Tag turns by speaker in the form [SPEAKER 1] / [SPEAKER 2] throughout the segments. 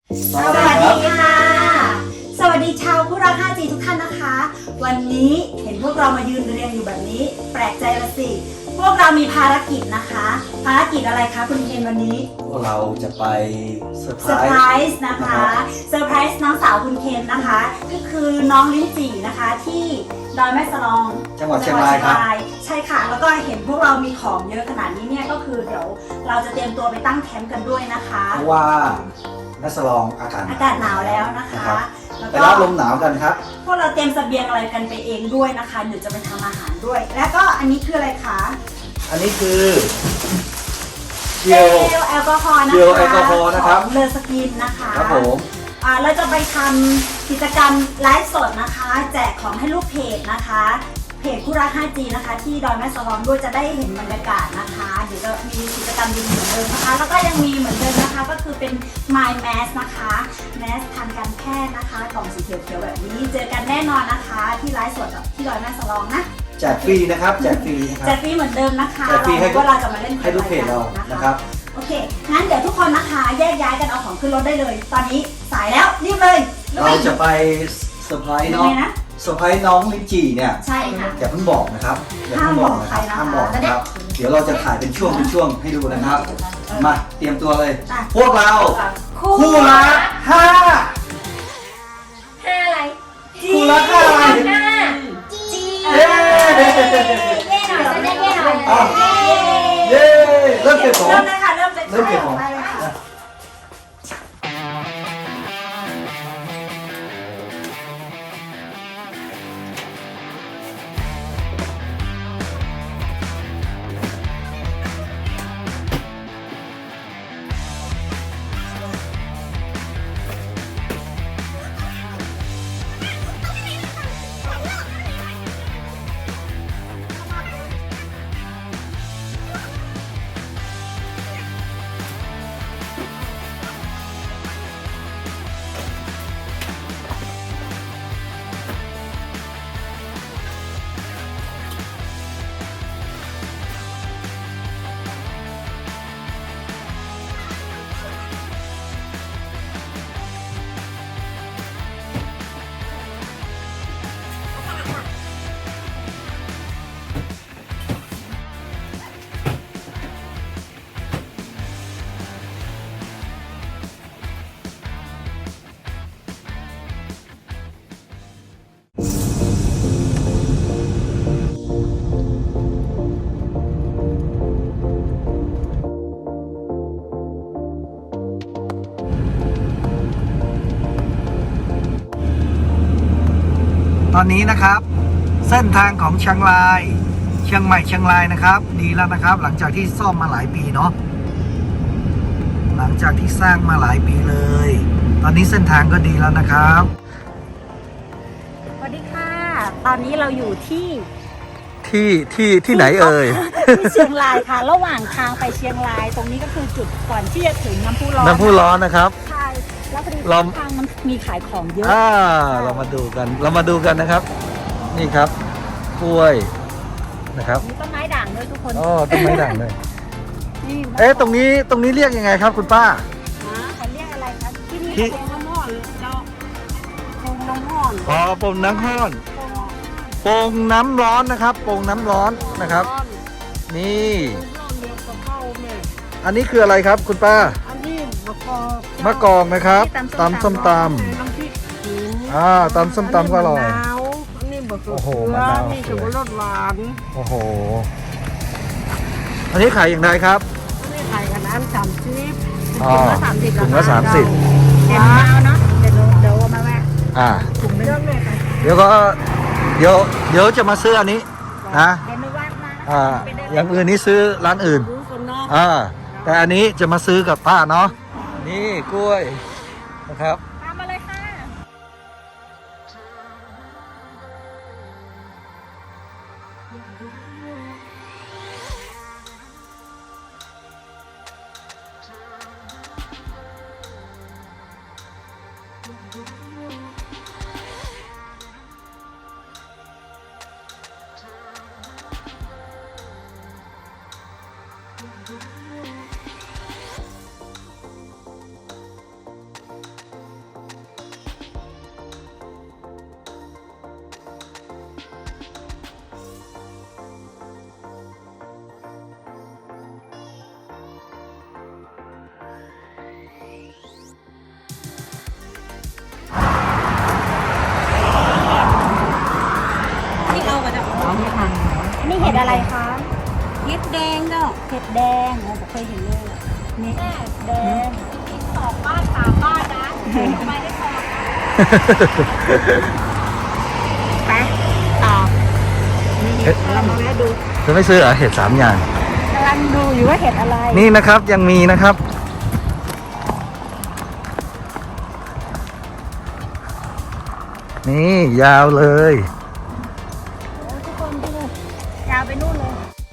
[SPEAKER 1] สวัสดีค่ะ สวัสดีชาวคู่รัก 5G ทุกท่านนะคะ วันนี้เห็นพวกเรามายืนเรียงอยู่แบบนี้ แปลกใจละสิ พวกเรามีภารกิจนะคะ ภารกิจอะไรคะคุณเคนวันนี้
[SPEAKER 2] พวกเราจะไปเซอร์ไพ
[SPEAKER 1] เซอร์ไพ
[SPEAKER 2] ร
[SPEAKER 1] ร
[SPEAKER 2] ส์
[SPEAKER 1] ส์นะคะเซอร์ไพรส์น้องสาวคุณเคนนะคะ ก็คือน้องลิ้นจี่นะคะที่ดอยแม่สลอง
[SPEAKER 2] จังหวัดเชียงรายครับ
[SPEAKER 1] ใช่ค่ะ แล้วก็เห็นพวกเรามีของเยอะขนาดนี้เนี่ยก็คือเดี๋ยวเราจะเตรียมตัวไปตั้งแคมป์กันด้วยนะคะ
[SPEAKER 2] เพราะว่าแม่สลองอากาศ
[SPEAKER 1] อากาศหนาวแล้วนะคะ แล้ว
[SPEAKER 2] ไป
[SPEAKER 1] ก็
[SPEAKER 2] รับลมหนาวกันครับ
[SPEAKER 1] พวกเราเตรียมเสบียงอะไรกันไปเองด้วยนะคะเดี๋ยวจะไปทำอาหารด้วย แล้วก็อันนี้คืออะไรคะ
[SPEAKER 2] อันนี้คือเจ
[SPEAKER 1] เจ
[SPEAKER 2] ล
[SPEAKER 1] ลแอลกอฮอล์นะคะ
[SPEAKER 2] เจลแอลกอฮอล์นะครับ
[SPEAKER 1] ของเลอสกินนะคะ
[SPEAKER 2] ครับผม
[SPEAKER 1] เราจะไปทำกิจกรรมไลฟ์สดนะคะ แจกของให้ลูกเพจนะคะ เพจคู่รัก 5G นะคะ ที่ดอยแม่สลองด้วยจะได้เห็นบรรยากาศนะคะเดี๋ยวจะมีกิจกรรมดีๆเหมือนเดิมนะคะ แล้วก็ยังมีเหมือนเดิมนะคะ ก็คือเป็น My Mask นะคะแมสทางการแพทย์นะคะกล่องสีเขียวๆแบบนี้ เจอกันแน่นอนนะคะ ที่ไลฟ์สดที่ดอยแม่สลองนะ
[SPEAKER 2] แจกฟรีนะครับแจกฟรีนะค
[SPEAKER 1] แจ
[SPEAKER 2] รับ
[SPEAKER 1] กฟรีเหมือนเดิมนะคะ
[SPEAKER 2] แจกฟรีให้
[SPEAKER 1] ว่าเราจะมาเล่น
[SPEAKER 2] ให้ลูกเพจเรานะครับ
[SPEAKER 1] โอเค งั้นเดี๋ยวทุกคนนะคะแยกย้ายกันเอาของขึ้นรถได้เลย ตอนนี้สายแล้วรีบเลย
[SPEAKER 2] เราจะไปเซอร์ไพรส์
[SPEAKER 1] ยั
[SPEAKER 2] น้
[SPEAKER 1] ง
[SPEAKER 2] อง
[SPEAKER 1] ไงนะ
[SPEAKER 2] เซอร์ไพรส์น้องลิ้นจี่เนี่ย
[SPEAKER 1] ใช่ค่ะ
[SPEAKER 2] อย่าเพิ่งบอกนะครับอย่าเพิ่งบอกนะครับ
[SPEAKER 1] ห้า
[SPEAKER 2] ห้าม ม
[SPEAKER 1] บบ อ
[SPEAKER 2] อก ก
[SPEAKER 1] ใคร
[SPEAKER 2] นะ
[SPEAKER 1] นะ
[SPEAKER 2] ครับ เดี๋ยวเราจะถ่ายเป็นช่วงให้ดูนะครับ มาเตรียมตัวเลย
[SPEAKER 1] อ่ะ
[SPEAKER 2] พวกเรา
[SPEAKER 1] คู่
[SPEAKER 2] รักห้า
[SPEAKER 3] ห้าอะไร
[SPEAKER 2] คู่รักห้าอะไร
[SPEAKER 3] ห้า
[SPEAKER 2] เย้
[SPEAKER 3] เย่หน่อยจะได้เย่หน่อย
[SPEAKER 2] อ้าว เย้เริ่มเก็บของ
[SPEAKER 1] เริ่มเลยค่ะ เริ่มจาก
[SPEAKER 2] เริ่มเก็บของ
[SPEAKER 1] ไปเลยค่ะ
[SPEAKER 2] ตอนนี้นะครับเส้นทางของเชียงรายเชียงใหม่เชียงรายนะครับ ดีแล้วนะครับ หลังจากที่ซ่อมมาหลายปีเนาะหลังจากที่สร้างมาหลายปีเลย ตอนนี้เส้นทางก็ดีแล้วนะครับ
[SPEAKER 1] สวัสดีค่ะ ตอนนี้เราอยู่ที่
[SPEAKER 2] ที่ไหนเอ่ย
[SPEAKER 1] ที่เชียงรายค่ะ ระหว่างทางไปเชียงราย ตรงนี้ก็คือจุดก่อนที่จะถึงน้ำพุร้อน
[SPEAKER 2] น้ำพุร้อนนะครับ
[SPEAKER 1] ใช่ แล้วพอดี
[SPEAKER 2] เรา
[SPEAKER 1] ทางมันมีขายของเยอะ
[SPEAKER 2] เรามาดูกันนะครับ นี่ครับกล้วยนะครับ
[SPEAKER 1] มีต้นไม้ด่างด้วยทุกคน
[SPEAKER 2] อ๋อต้นไม้ด่างเลย
[SPEAKER 1] นี่
[SPEAKER 2] เอ๊ะตรงนี้เรียกยังไงครับคุณป้า
[SPEAKER 1] เขาเรียกอะไรคะที่นี่
[SPEAKER 2] ที่
[SPEAKER 1] โป่งน้ำห่อนเราโป่งน้ำห่อน
[SPEAKER 2] อ๋อโป่งน้ำร้อนโป่งน้ำร้อนนะครับโป่งน้ำร้อนนะครับ นี่
[SPEAKER 1] เรียกกระเพราเนี่ย
[SPEAKER 2] อันนี้คืออะไรครับคุณป้า
[SPEAKER 1] อันนี้มะกอก
[SPEAKER 2] มะกอกนะครับตำส้มตำ
[SPEAKER 1] น้ำพริกขิง
[SPEAKER 2] ตำส้มตำก็อร่อย
[SPEAKER 1] มะนาวอันนี้บะเขื
[SPEAKER 2] โอ้โห
[SPEAKER 1] อ
[SPEAKER 2] มะนาว
[SPEAKER 1] นี่จะรสหวาน
[SPEAKER 2] โอ้โห อันนี้ขายอย่างไรครับ
[SPEAKER 1] อันนี้ขายกันอัน30
[SPEAKER 2] อ๋อ
[SPEAKER 1] ถุงละ30
[SPEAKER 2] ถุงละ30
[SPEAKER 1] เห็นมะนาวเนาะเดี๋ยวเอามาแวะ
[SPEAKER 2] อ่า
[SPEAKER 1] ถุงนึงเลยค่ะ
[SPEAKER 2] เดี๋ยวจะมาซื้ออันนี้นะ
[SPEAKER 1] เดี๋ยวไม่ว่ามานะ
[SPEAKER 2] อ่า
[SPEAKER 1] ไปเดิน
[SPEAKER 2] อย่างอื่นนี่ซื้อร้านอื่น
[SPEAKER 1] รู้คนเนาะ
[SPEAKER 2] แต่อันนี้จะมาซื้อกับป้าเนาะนี่กล้วยนะครับ
[SPEAKER 1] ตามมาเลยค่ะดอะไรคะ
[SPEAKER 3] เห็ดแดงเนาะ
[SPEAKER 1] เห็ดแดงโอ้ผมเคยเห็นเลยอะนี่แดง
[SPEAKER 3] กิน2 บ้าน 3 บ้านนะทำไมได้พอ
[SPEAKER 1] ไปต่อนี่เห็ดลองมาดู
[SPEAKER 2] จะไม่ซื้อเหรอเห็ด3 อย่าง
[SPEAKER 1] กำลังดูอยู่ว่าเห็ดอะไร
[SPEAKER 2] นี่นะครับยังมีนะครับ นี่ยาวเลย
[SPEAKER 1] โอ้ทุกคนดูยาวไปนู่นเลย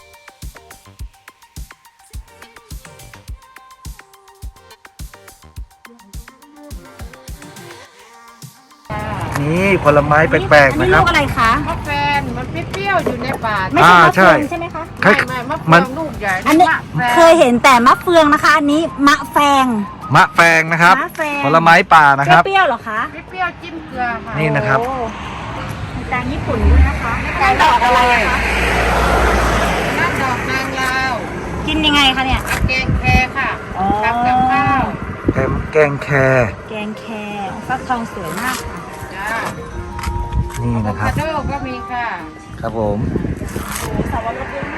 [SPEAKER 2] นี่ผลไม้แปลกๆนะครับ
[SPEAKER 1] อัลูกอะไรคะ
[SPEAKER 3] มะแฟนมันเปรี้ยวๆอยู่ในป่า
[SPEAKER 1] ไม่ใช่มะ
[SPEAKER 2] ใช่
[SPEAKER 1] เฟืองใช่ไหมคะ
[SPEAKER 2] คล้าย
[SPEAKER 3] ไม่มะ
[SPEAKER 2] มั
[SPEAKER 3] เฟือน งลูกใหญ่
[SPEAKER 1] อันนี้
[SPEAKER 3] มะแฟน
[SPEAKER 1] เคยเห็นแต่มะเฟืองนะคะ อันนี้มะแฟง
[SPEAKER 2] มะแฟงนะครับ
[SPEAKER 1] มะแฟง
[SPEAKER 2] ผลไม้ป่านะครับ
[SPEAKER 1] เปรี้ยวๆเหรอคะ
[SPEAKER 3] เปรี้ยวๆจิ้มเกลือค่ะ
[SPEAKER 2] นี่นะครับ
[SPEAKER 1] โอ้มีแตงญี่ปุ่นด้วยนะคะแตงดอกอะไรอะคะ
[SPEAKER 3] นั่นดอกนางลาว
[SPEAKER 1] กินยังไงคะเนี่ย
[SPEAKER 3] แกงแคค่ะ
[SPEAKER 1] อ๋อ
[SPEAKER 3] ทำกับข้าว
[SPEAKER 2] แกงแคร
[SPEAKER 1] แกงแครฟักทองสวยมากค่ะ
[SPEAKER 3] จ้า
[SPEAKER 2] นี่
[SPEAKER 3] อะโว
[SPEAKER 2] นะครั
[SPEAKER 3] คา
[SPEAKER 2] บ
[SPEAKER 3] โดก็มีค่ะ
[SPEAKER 2] ครับผม
[SPEAKER 1] สาวรสด้วย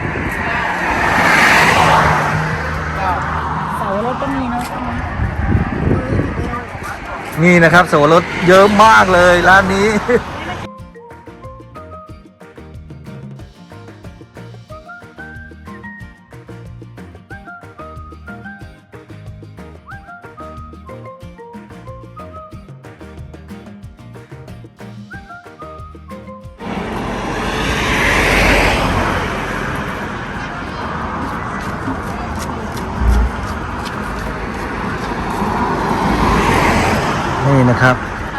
[SPEAKER 3] ดอก
[SPEAKER 1] สาวรสก็มีเนาะใช่ไหม
[SPEAKER 2] นี่นะครับสับปะรดเยอะมากเลยร้านนี้ นี่นะครับ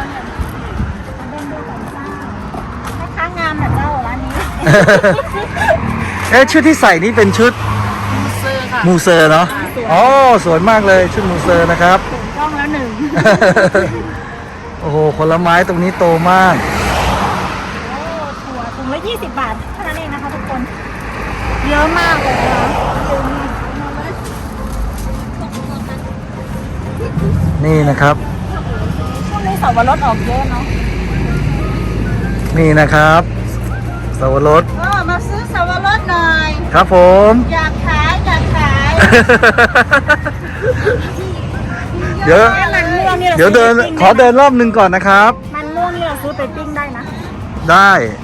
[SPEAKER 1] แม่ค้างามแบบเจ้าร้านนี้
[SPEAKER 2] เอ๊ะชุดที่ใส่นี่เป็นชุด
[SPEAKER 3] มูเซอร์ค่ะ
[SPEAKER 2] มูเซอร์เนาะ อ๋อ สวยมากเลยชุดมูเซอร์นะครับ
[SPEAKER 1] ถูกต้องแล้วหนึ่ง
[SPEAKER 2] โอ้โหผลไม้ตรงนี้โตมาก
[SPEAKER 1] โอ้ถั่วถุงละ20 บาทเท่านั้นเองนะคะทุกคน เยอะมากเลยนะคะ
[SPEAKER 2] นี่นะครับ
[SPEAKER 1] ช่วงนี้สาวรสออกเยอะเนาะ
[SPEAKER 2] นี่นะครับสับปะรด
[SPEAKER 1] มาซื้อสาวรสหน่อย
[SPEAKER 2] ครับผม
[SPEAKER 1] อยากขายอยากขาย
[SPEAKER 2] เดี๋ยว
[SPEAKER 1] มันม่วงนี่รา
[SPEAKER 2] เดี๋ยวเดิน
[SPEAKER 1] ซื้อไปปิ้ง
[SPEAKER 2] ขอเดินรอบหนึ่งก่อนนะครับ
[SPEAKER 1] มันม่วงนี่เราซื้อไปปิ้งได้นะ
[SPEAKER 2] ได้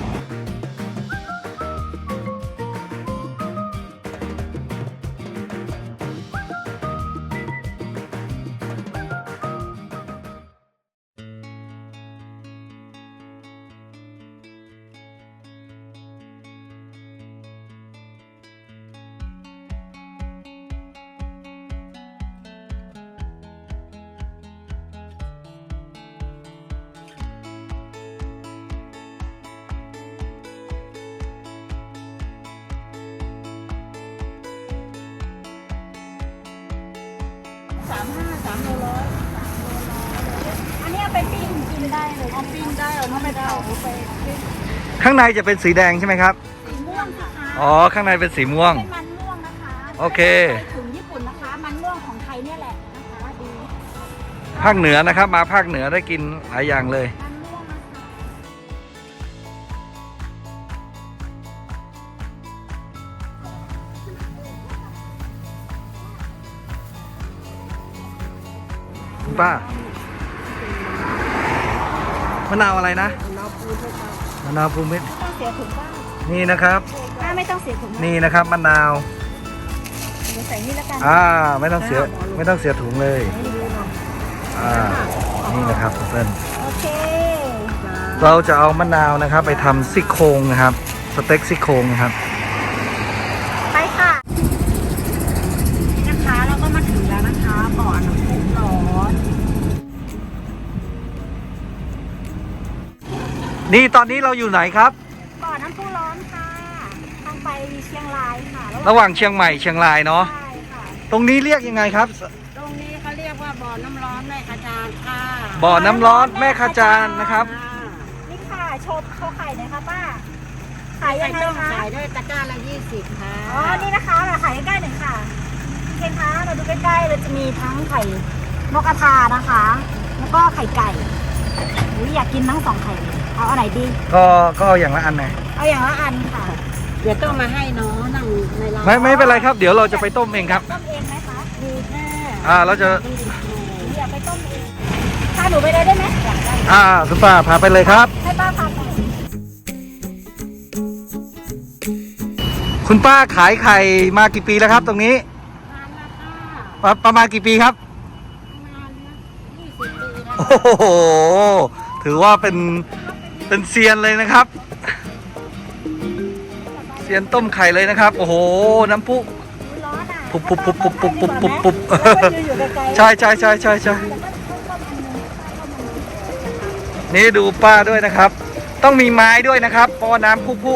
[SPEAKER 1] 3 โลร้อยอันนี้เอาไปปิ้งกินได้เลยเอาปิ้งได้เอาไม่ได้เอาไปปิ้ง
[SPEAKER 2] ข้างในจะเป็นสีแดงใช่ไหมครับ
[SPEAKER 1] สีม่วงนะคะ
[SPEAKER 2] อ๋อ ข้างในเป็นสีม่วง
[SPEAKER 1] เป็นมันม่วงนะคะ
[SPEAKER 2] โอเค
[SPEAKER 1] ถึงญี่ปุ่นนะคะ มันม่วงของไทยเนี่ยแหละนะคะดี
[SPEAKER 2] ภาคเหนือนะครับ มาภาคเหนือได้กินหลายอย่างเลย
[SPEAKER 1] มันม่วงนะคะ
[SPEAKER 2] คุณป้ามะนาวอะไรนะมะนาวภูมิ
[SPEAKER 1] ไม่ต้องเสียถุงบ้าง
[SPEAKER 2] นี่นะครับ
[SPEAKER 1] ไม่ต้องเสียถุงบ้าง
[SPEAKER 2] นี่นะครับมะนาว
[SPEAKER 1] เดี๋ยวใส่นี่แล้วกัน
[SPEAKER 2] ไม่ต้องเสียถุงเลย นี่นะครับเพื่อน
[SPEAKER 1] โอเค
[SPEAKER 2] เราจะเอามะนาวนะครับ ไปทำซี่โครงนะครับ สเต็กซี่โครงนะครับ
[SPEAKER 1] ไปค่ะนี่นะคะเราก็มาถึงแล้วนะคะบ่อน้ำพุร้อน
[SPEAKER 2] นี่ตอนนี้เราอยู่ไหนครับ
[SPEAKER 1] บ่อน้ำพุร้อนค่ะทางไปเชียงรายค่ะ
[SPEAKER 2] ระหว่างเชียงใหม่เชียงรายเนาะ
[SPEAKER 1] ใช่ค่ะ
[SPEAKER 2] ตรงนี้เรียกยังไงครับ
[SPEAKER 3] ตรงนี้เขาเรียกว่าบ่อน้ำร้อนแม่ขจานค่ะ
[SPEAKER 2] บ่อน้ำร้อนแม่ขจานนะครับ
[SPEAKER 1] นี่ค่ะโชว์ไข่หน่อยค่ะป้าขายยังไง
[SPEAKER 3] ต้อง
[SPEAKER 1] คะ
[SPEAKER 3] ขายด้วยตะกร้าละ20ค่ะ
[SPEAKER 1] อ๋อนี่นะคะเราขายใกล้ๆหน่อยค่ะเห็นคะเราดูใกล้ๆเราจะมีทั้งไข่นกกระทานะคะ แล้วก็ไข่ไก่อุ๊ยอยากกินทั้ง2 ไข่เลยเอาอันไหนดี
[SPEAKER 2] ก็เอาอย่างละอันนะ
[SPEAKER 1] เอาอย่างละอันค่ะ
[SPEAKER 3] เดี๋ยวต้องมาให้น้องนั่งในร้าน
[SPEAKER 2] ไม่เป็นไรครับ เดี๋ยวเราจะไปต้มเองครับ
[SPEAKER 1] ต้มเองไหมคะ
[SPEAKER 3] มีแค่
[SPEAKER 2] เราจะ
[SPEAKER 1] อยากไปต้มเองพาหนูไปเลยได้ไหม
[SPEAKER 2] คุณป้าพาไปเลยครับ
[SPEAKER 1] ให้ป้าพาไป
[SPEAKER 2] คุณป้าขายไข่มากี่ปีแล้วครับ ตรงนี้
[SPEAKER 3] นานละค่ะ
[SPEAKER 2] ประมาณกี่ปีครับ
[SPEAKER 3] ประมาณ20 ปีแล้ว
[SPEAKER 2] โอ้โห ถือว่าเป็นเซียนเลยนะครับ เซียนต้มไข่เลยนะครับ โอ้โห น้ำพุ
[SPEAKER 1] ร้อนอ่ะ
[SPEAKER 2] ปุ๊บปุ๊บปุ๊บปุ๊บปุ๊บปุ๊บปุ๊บปุ๊บ
[SPEAKER 1] อยู่ไกลๆ
[SPEAKER 2] ใช่นี่ดูป้าด้วยนะครับ ต้องมีไม้ด้วยนะครับเพราะว่าน้ำพุ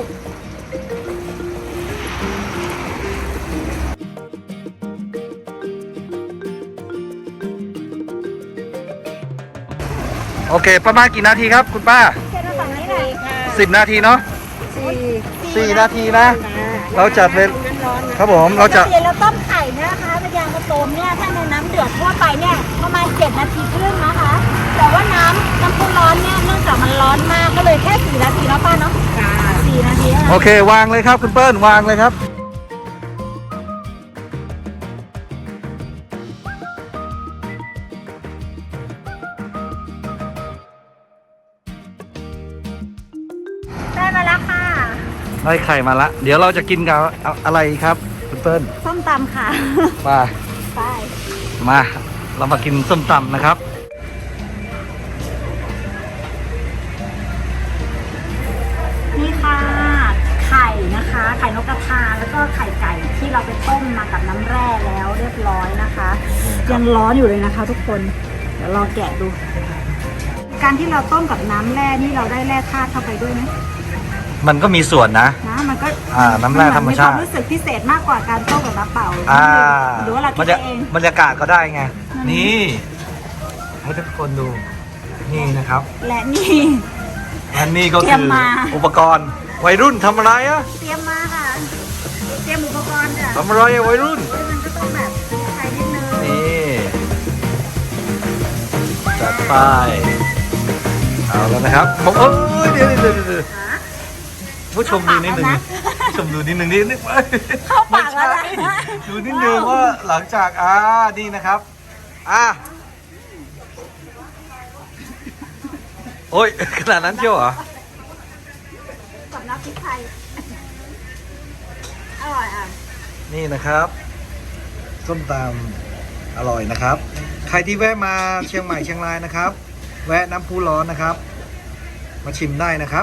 [SPEAKER 2] โอเค ประมาณกี่นาทีครับคุณป้า
[SPEAKER 1] แค่ฝั่งนี้เลย
[SPEAKER 2] 10 นาทีเนาะ 4 นาทีนะ เราจัดเป็น
[SPEAKER 3] น้ำร้อนนะครับ
[SPEAKER 2] ผมเราจะ
[SPEAKER 1] ปกติเราต้มไข่เนี่ยนะคะพยางมะตูมเนี่ยถ้าในน้ำเดือดทั่วไปเนี่ยประมาณ7 นาทีครึ่งนะคะ แต่ว่าน้ำพุร้อนเนี่ยเนื่องจากมันร้อนมากก็เลยแค่4 นาทีเนาะป้าเนาะ4 นาที
[SPEAKER 2] โอเค วางเลยครับคุณเปิ้ลวางเลยครับ
[SPEAKER 1] ได้มาแล้วค่ะ
[SPEAKER 2] ได้ไข่มาละ เดี๋ยวเราจะกินกับอะไรครับคุณเปิ้ล
[SPEAKER 1] ส้มตำค่ะ
[SPEAKER 2] ไป
[SPEAKER 1] ไป
[SPEAKER 2] มาเรามากินส้มตำนะครับ
[SPEAKER 1] นี่ค่ะ ไข่นะคะ ไข่นกกระทาแล้วก็ไข่ไก่ที่เราไปต้มมากับน้ำแร่แล้วเรียบร้อยนะคะ ยังร้อนอยู่เลยนะคะ ทุกคน เดี๋ยวรอแกะดู การที่เราต้มกับน้ำแร่นี่เราได้แร่ธาตุเข้าไปด้วยไหม
[SPEAKER 2] มันก็มีส่วนนะ
[SPEAKER 1] นะมันก็
[SPEAKER 2] น้ำแร่ธรรมชาติ
[SPEAKER 1] นความรู้สึกพิเศษมากกว่าการต้มกับน้ำเปล่า หรือว่าเราคิ
[SPEAKER 2] บร
[SPEAKER 1] ด
[SPEAKER 2] รยา
[SPEAKER 1] เอง
[SPEAKER 2] บรรยากาศก็ได้ไง นี่ให้ทุกคนดู นี่นะครับ
[SPEAKER 1] และนี่
[SPEAKER 2] และนี่ก็
[SPEAKER 1] เตรี
[SPEAKER 2] คื
[SPEAKER 1] ยม
[SPEAKER 2] อ
[SPEAKER 1] มา
[SPEAKER 2] อุปกรณ์วัยรุ่นทำอะไรอะ
[SPEAKER 1] เตรียมมาค่ะ เตรียมอุปกรณ์ค่ะ
[SPEAKER 2] ทำอะไรอะวัยรุ่น
[SPEAKER 1] มันก็ต้องแบบใช้นิดนึง
[SPEAKER 2] นี่จัดไปเอาแล้วนะครับผมเอ้ยเดี๋ยวผู้ชมดูนิดนึงผู้ชมดูนิดนึงนิดนึง
[SPEAKER 1] เข้าปากแล้วนะ
[SPEAKER 2] ดูนิดนึงว่าหลังจากนี่นะครับโอ้ยขนาดนั้นเชียวเหรอ
[SPEAKER 1] กับน้ำพริกไทยอร่อยอ่ะ
[SPEAKER 2] นี่นะครับส้มตำอร่อยนะครับ ใครที่แวะมาเชียงใหม่เชียงรายนะครับ แวะน้ำพุร้อนนะครับ มาชิมได้นะครับ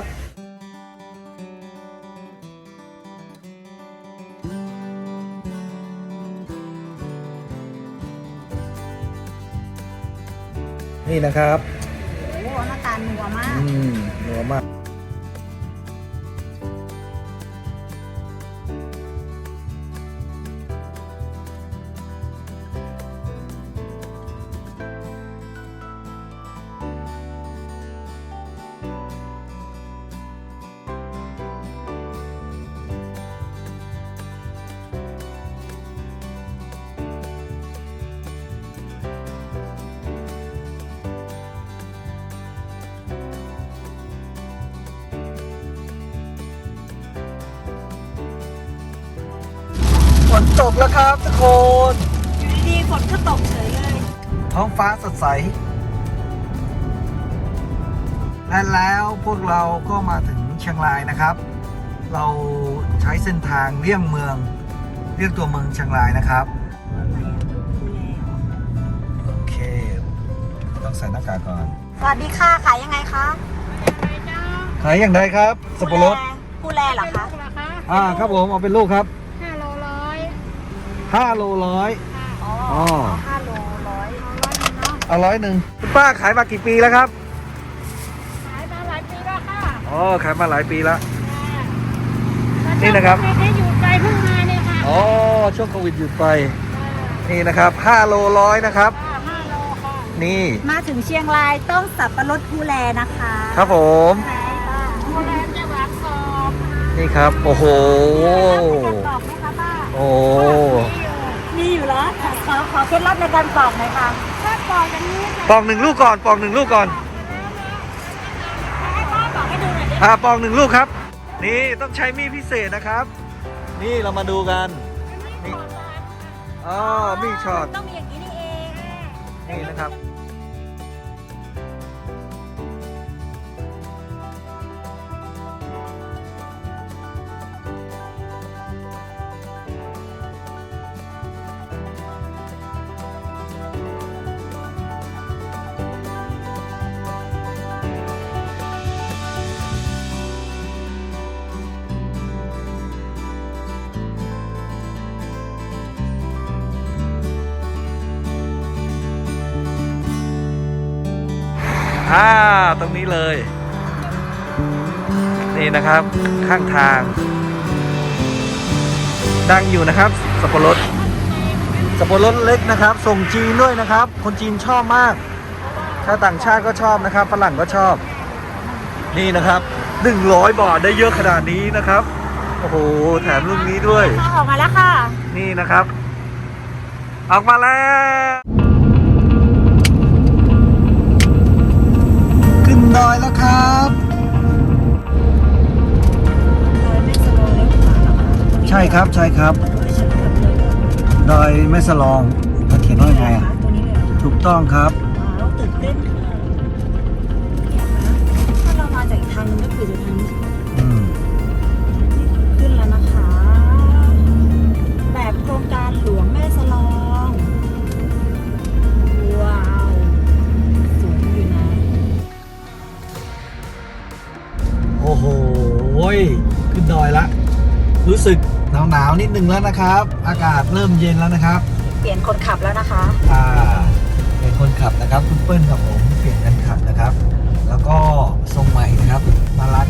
[SPEAKER 2] นี่นะครับ
[SPEAKER 1] โอ้หน้าตานัวมาก
[SPEAKER 2] นัวมาก ฝนตกแล้วครับทุกคน
[SPEAKER 1] อยู่ดีๆฝนก็ตกเฉยเลย
[SPEAKER 2] ท้องฟ้าสดใส และแล้วพวกเราก็มาถึงเชียงรายนะครับ เราใช้เส้นทางเลี่ยงเมืองเลี่ยงตัวเมืองเชียงรายนะครับ โอเค ต้องใส่หน้ากากก่อน
[SPEAKER 1] สวัสดีค่ะ ขายยังไงคะ
[SPEAKER 2] ขายอย่างไรครับ สับปะรด
[SPEAKER 1] ผู้แลเหรอคะ
[SPEAKER 3] ลูกละคะ
[SPEAKER 2] ครับผมเอาเป็นลูกครับ
[SPEAKER 3] 5 โลร้อย
[SPEAKER 2] 5 โลร้อย
[SPEAKER 1] อ๋อ
[SPEAKER 2] อ๋อ
[SPEAKER 1] 5 โลร้อย
[SPEAKER 2] เอา100คุณป้าขายมากี่ปีแล้วครับ
[SPEAKER 3] ขายมาหลายปีแล้วค่ะ
[SPEAKER 2] อ๋อขายมาหลายปีแล้ว นี่นะครับ
[SPEAKER 3] เด็กๆอยู่ไกลเพิ่งมาเนี่ยค่ะ
[SPEAKER 2] อ๋อช่วงโควิดหยุดไป นี่นะครับ5 โลร้อยนะครับ
[SPEAKER 3] 5 โลค่ะ
[SPEAKER 2] นี่
[SPEAKER 1] มาถึงเชียงรายต้องสับปะรดผู้แลนะคะ
[SPEAKER 2] ครับผม
[SPEAKER 1] ใช่ค่ะ
[SPEAKER 3] โบราณจะหวานกรอบ
[SPEAKER 2] นี่ครับ โอ้โห
[SPEAKER 1] กรอบไหมคะป้า
[SPEAKER 2] โอ้
[SPEAKER 1] มีอยู่แล้วขอเคล็ดลับในการกรอบหน่อยค่ะ
[SPEAKER 3] ถ้ากรอบอย่างนี้จะ
[SPEAKER 2] ปอง1 ลูกก่อนปอง1 ลูกก่อน
[SPEAKER 1] ให้ป้ากรอบให้ดูหน่อยดิ
[SPEAKER 2] ปอง1 ลูกครับนี่ต้องใช้มีดพิเศษนะครับ นี่เรามาดูกันนี่อ๋อมีดช็อต
[SPEAKER 1] ต้องมีอย่างนี้นี่เอง
[SPEAKER 2] นี่นะครับตรงนี้เลย นี่นะครับข้างทาง ดังอยู่นะครับสับปะรดเล็กนะครับ ส่งจีนด้วยนะครับ คนจีนชอบมากชาวต่างชาติก็ชอบนะครับฝรั่งก็ชอบ นี่นะครับ100 บาทได้เยอะขนาดนี้นะครับโอ้โหแถมลูกนี้ด้วย
[SPEAKER 1] ออกมาแล้วค่ะ
[SPEAKER 2] นี่นะครับ ออกมาแล้วขึ้นดอยแล้วครับใช่ครับใช่ครับดอยแม่สลองเขาเขียนว่ายังไงอ่ะ
[SPEAKER 1] ตัวนี้เลย
[SPEAKER 2] ถูกต้องครับ
[SPEAKER 1] เราตื่นเต้นค่ะถ้าเรามาจากอีกทางนึงก็คือจะทางนี้
[SPEAKER 2] อืม
[SPEAKER 1] ขึ้นแล้วนะคะ แบบโครงการหลวงแม่สลอง ว้าวสูงอยู่นะ
[SPEAKER 2] โอ้โหขึ้นดอยละรู้สึกหนาวนิดนึงแล้วนะครับ อากาศเริ่มเย็นแล้วนะครับ
[SPEAKER 1] เปลี่ยนคนขับแล้วนะคะ
[SPEAKER 2] เป็นคนขับนะครับคุณเปิ้ลกับผมเปลี่ยนกันขับนะครับ แล้วก็ทรงใหม่นะครับน่ารัก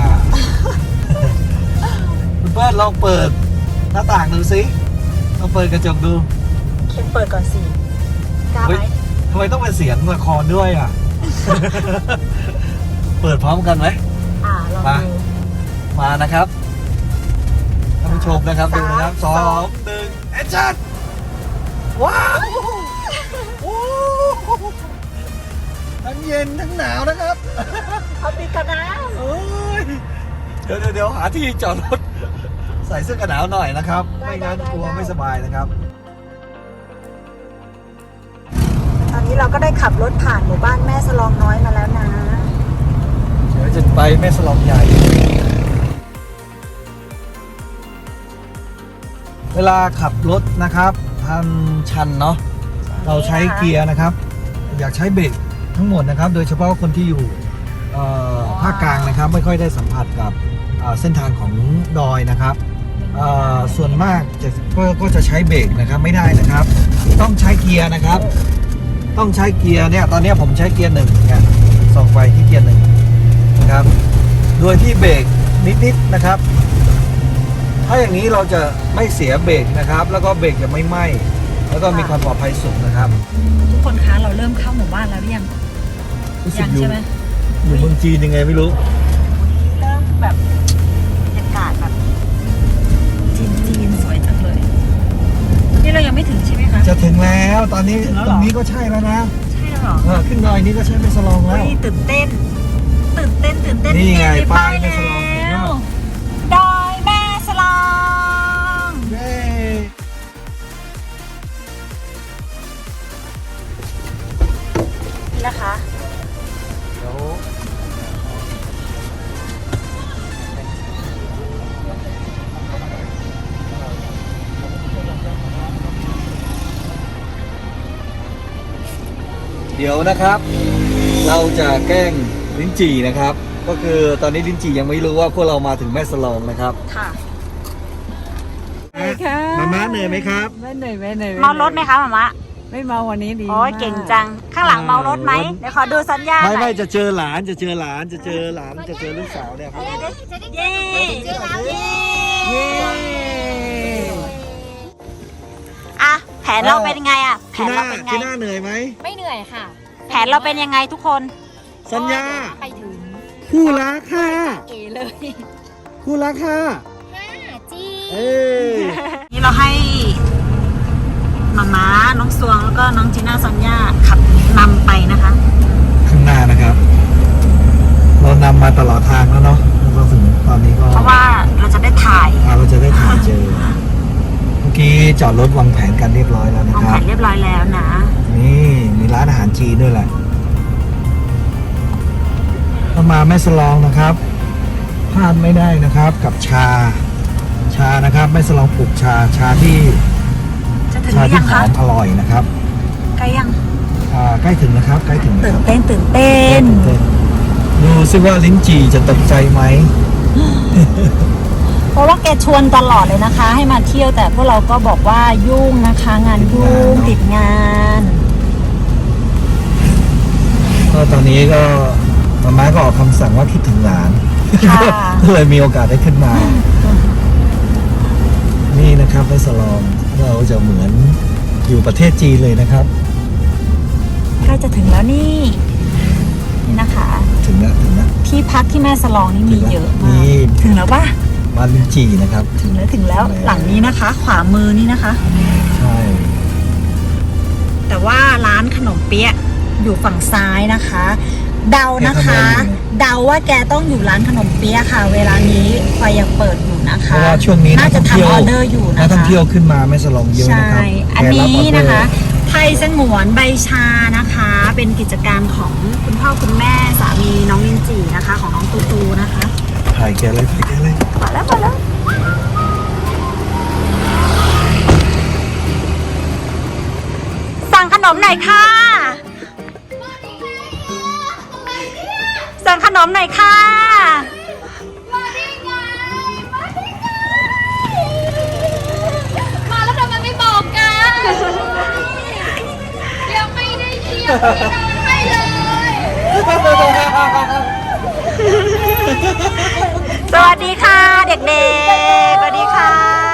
[SPEAKER 2] คุณเปิ้ลลองเปิดหน้าต่างดูสิลองเปิดกระจกดู
[SPEAKER 1] เคนเปิดก่อนสิกล้าไหม
[SPEAKER 2] ทำไมต้องเป็นเสียงละครด้วยอ่ะ เปิดพร้อมกันไหม
[SPEAKER 1] ลอง
[SPEAKER 2] มา
[SPEAKER 1] ดู
[SPEAKER 2] มานะครับท่านผู้ชมนะครับดูนะครับ2 1แอคชั่นว้าวโอ้ทั้งเย็นทั้งหนาวนะครับ
[SPEAKER 1] เอาปิดกันนะ
[SPEAKER 2] เอ้ยเดี๋ยวหาที่จอดรถใส่เสื้อกันหนาวหน่อยนะครับ ไม่งั้นกลัวไม่สบายนะครับ
[SPEAKER 1] ตอนนี้เราก็ได้ขับรถผ่านหมู่บ้านแม่สลองน้อยมาแล้วนะ
[SPEAKER 2] เดี๋ยวจะไปแม่สลองใหญ่ เวลาขับรถนะครับทางชันเนาะเราใช้เกียร์นะครับ อยากใช้เบรกทั้งหมดนะครับ โดยเฉพาะคนที่อยู่ภาคกลางนะครับ ไม่ค่อยได้สัมผัสกับเส้นทางของดอยนะครับส่วนมากก็จะใช้เบรกนะครับไม่ได้นะครับ ต้องใช้เกียร์นะครับ ต้องใช้เกียร์เนี่ยตอนนี้ผมใช้เกียร์1เนี่ยส่องไฟที่เกียร์1นะครับโดยที่เบรกนิดๆนะครับ ถ้าอย่างนี้เราจะไม่เสียเบรกนะครับ แล้วก็เบรกจะไม่ไหม้แล้วก็มีความปลอดภัยสูงนะครับ
[SPEAKER 1] ทุกคนคะเราเริ่มเข้าหมู่บ้านแล้วหรือยัง
[SPEAKER 2] รู้สึ
[SPEAKER 1] ยั
[SPEAKER 2] กอยู่
[SPEAKER 1] ใช่ไหม
[SPEAKER 2] อยู่เมืองจีนยังไงไม่รู้
[SPEAKER 1] เริ่มแบบบรรยากาศแบบจีนสวยจังเลย นี่เรายังไม่ถึงใช่ไหมคะ
[SPEAKER 2] จะถึงแล้วตอนนี้
[SPEAKER 1] ถึงแล้ว
[SPEAKER 2] ต
[SPEAKER 1] เหร
[SPEAKER 2] ร
[SPEAKER 1] อ
[SPEAKER 2] งนี้ก็ใช่แล้วนะ
[SPEAKER 1] ใช่แล้วเหรอ
[SPEAKER 2] ขึ้นดอยนี้ก็ใช่แม่สลองแล้ว
[SPEAKER 1] เฮ้ยตื่นเต้น
[SPEAKER 2] นี่ไง
[SPEAKER 1] มี
[SPEAKER 2] ป้ายแม่สลอง
[SPEAKER 1] แล้วดอยแม่สลอง
[SPEAKER 2] เย้
[SPEAKER 1] นี่นะคะ
[SPEAKER 2] เดี๋ยวนะครับ เราจะแกล้งลิ้นจี่นะครับ ก็คือตอนนี้ลิ้นจี่ยังไม่รู้ว่าพวกเรามาถึงแม่สลองนะครับ
[SPEAKER 1] ค่ะ
[SPEAKER 2] มาม่าเหนื่อยไหมครับ
[SPEAKER 3] ไม่เหนื่อยไม่เหนื่อย
[SPEAKER 1] เมารถไหมคะหมามะ
[SPEAKER 3] ไม่เมาวันนี้ดี
[SPEAKER 1] โอ้ย
[SPEAKER 3] มาก
[SPEAKER 1] เก่งจัง ข้างหลังเมารถไหมเดี๋ยวขอดูสัญญาณหน่
[SPEAKER 2] ไม่
[SPEAKER 1] อย
[SPEAKER 2] จะเจอหลานจะเจอลูกสาวเนี่ยครับ
[SPEAKER 1] เย้เย้ อะแผนเราเป็นยังไงอะแผนเราเป็นไง
[SPEAKER 2] ที่หน้าเหนื่อยไหม
[SPEAKER 3] ไม่เหนื่อยค่ะ
[SPEAKER 1] แผนเราเป็นยังไงทุกคน
[SPEAKER 2] สัญญา
[SPEAKER 3] ไปถึง
[SPEAKER 2] คู่รักค่ะ
[SPEAKER 3] เอเลย
[SPEAKER 2] คู่รักค่ะ
[SPEAKER 3] จี
[SPEAKER 2] เอ้ย
[SPEAKER 1] นี่เราให้มาม้าน้องสวงแล้วก็น้องจีน่าสัญญาขับนำไปนะคะ
[SPEAKER 2] ข้างหน้านะครับ เรานำมาตลอดทางแล้วเนาะเราถึงตอนนี้ก็
[SPEAKER 1] เพราะว่าเราจะได้ถ่าย
[SPEAKER 2] เราจะได้ถ่ายเจอ เมื่อกี้จอดรถวางแผนกันเรียบร้อยแล้วนะ
[SPEAKER 1] วาง
[SPEAKER 2] ค
[SPEAKER 1] แผ
[SPEAKER 2] รับ
[SPEAKER 1] นเรียบร้อยแล้วนะ
[SPEAKER 2] นี่มีร้านอาหารจีนด้วยแหละถ้ามาแม่สลองนะครับพลาดไม่ได้นะครับกับชานะครับแม่สลองปลูกชาที่
[SPEAKER 1] จะถึงหรือ
[SPEAKER 2] ที่
[SPEAKER 1] ยัง
[SPEAKER 2] หอ
[SPEAKER 1] คะ
[SPEAKER 2] มอร่อยนะครับ
[SPEAKER 1] ใกล้ยัง
[SPEAKER 2] ใกล้ถึงนะครับใกล้ถึง
[SPEAKER 1] ตื่
[SPEAKER 2] นะ
[SPEAKER 1] น
[SPEAKER 2] ครับ
[SPEAKER 1] เต้นตื่นเต้น
[SPEAKER 2] ดูซิว่าลิ้นจี่จะตกใจไหม
[SPEAKER 1] เพราะว่าแกชวนตลอดเลยนะคะ ให้มาเที่ยวแต่พวกเราก็บอกว่ายุ่งนะคะ งานยุ่งติดงาน
[SPEAKER 2] ก็ตอนนี้ก็มาก็ออกคำสั่งว่าคิดถึงหลาน
[SPEAKER 1] ค่ะ
[SPEAKER 2] ก็เลยมีโอกาสได้ขึ้นมา นี่นะครับแม่สลองเราจะเหมือนอยู่ประเทศจีนเลยนะครับ
[SPEAKER 1] ใกล้จะถึงแล้วนี่นะคะ
[SPEAKER 2] ถึงแล้ว
[SPEAKER 1] ที่พักที่แม่สลองนี่มีเยอะมาก
[SPEAKER 2] นี่
[SPEAKER 1] ถึงแล้วปะ
[SPEAKER 2] บ้านลิ้นจี่นะครับ
[SPEAKER 1] ถึงแล้ว
[SPEAKER 2] ถึงแล้ว
[SPEAKER 1] หลังนี้นะคะ ขวามือนี่นะคะ
[SPEAKER 2] ใช่
[SPEAKER 1] แต่ว่าร้านขนมเปี๊ยะอยู่ฝั่งซ้ายนะคะ เดานะคะ เดาว่าแกต้องอยู่ร้านขนมเปี๊ยะค่ะ เวลานี้ไฟยังเปิดอยู่นะ
[SPEAKER 2] เพ
[SPEAKER 1] คะ
[SPEAKER 2] ราะว่าช่วงนี้
[SPEAKER 1] น่าจะทำออเดอร์อยู่นะคะ
[SPEAKER 2] นักท่องเที่ยวขึ้นมาแม่สลองเยอะนะ
[SPEAKER 1] ใช่
[SPEAKER 2] ครับ
[SPEAKER 1] อันนี้
[SPEAKER 2] แกรับออเดอร์
[SPEAKER 1] นะคะ ไทยสงวนใบชานะคะ เป็นกิจการของคุณพ่อคุณแม่สามีน้องลินจีนะคะ ของน้องตูตูนะคะ
[SPEAKER 2] ถ่ายแกเลย
[SPEAKER 1] มาแล้วสั่งขนมหน่อยค่ะ สั่งขนมหน่อยค่ะ
[SPEAKER 3] มาแล้วทำไมไม่บอกกันยังไม่ได้เที่ยวไม่เลย
[SPEAKER 1] สวัสดีค่ะเด็กๆ สวัสดีค่ะ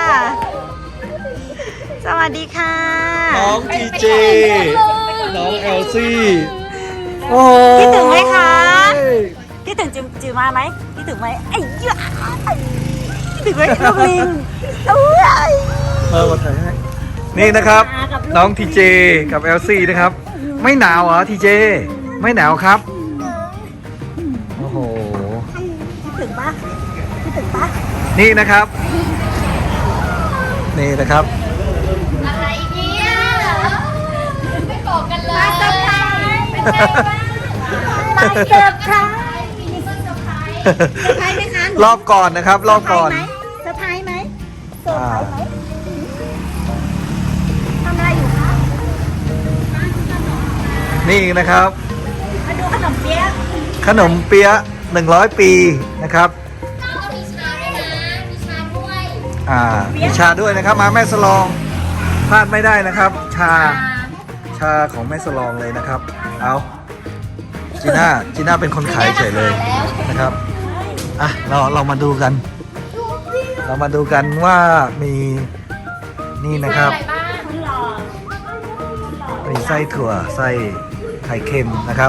[SPEAKER 1] สวัสดีค่ะ
[SPEAKER 2] น้องทีเจ น้องเอลซี่โอ้
[SPEAKER 1] คิดถึงไหมคะ คิดถึงจือมาไหมคิดถึงไหมไอ้เหี้ยคิดถึงไหมลูกลิงเอ้ย
[SPEAKER 2] มาถ่ายให้นี่นะครับ น้องทีเจกับเอลซี่นะครับ ไม่หนาวเหรอทีเจ ไม่หนาวครับ โอ้โห
[SPEAKER 1] คิดถึงปะคิดถึงปะ
[SPEAKER 2] นี่นะครับ นี่นะครับ
[SPEAKER 3] อะไรเนี่ยไม่บอกกันเลยมาเซอร์ไพรส์เป็นไงบ้าง
[SPEAKER 1] มาเซอร์ไพรส์
[SPEAKER 3] มีเซอร์ไพรส์
[SPEAKER 1] เซอร์ไพรส์ไหมคะ
[SPEAKER 2] รอบก่อนนะครับ รอบก่อน
[SPEAKER 1] เซอร์ไพรส์ไหมเซอร์ไพรส์ไหมทำอะไรอยู่คะ
[SPEAKER 2] นี่นะครับ
[SPEAKER 1] มาดูขนมเปี๊ยะ
[SPEAKER 2] ขนมเปี๊ยะ100 ปีนะครับ
[SPEAKER 3] ต้องมีชาด้วยนะมีชาด้วย
[SPEAKER 2] มีชาด้วยนะครับ มาแม่สลองพลาดไม่ได้นะครับ ชาของแม่สลองเลยนะครับ เอาจีน่าเป็นคนขายเฉยเลยนะครับอ่ะเรามาดูกัน เรามาดูกันว่ามีนี่นะครับ
[SPEAKER 3] อะไรบ้าง
[SPEAKER 1] คุณหล่อ
[SPEAKER 2] มีไส้ถั่วไส้ไข่เค็มนะครับ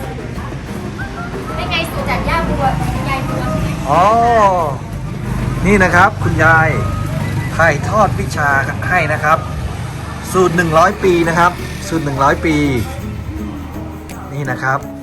[SPEAKER 3] เป็นไงสูตรจากย่าบัวยายบัว
[SPEAKER 2] อ๋อ นี่นะครับคุณยายถ่ายทอดวิชาให้นะครับ สูตร100 ปีนะครับ สูตร100 ปี นี่นะครับ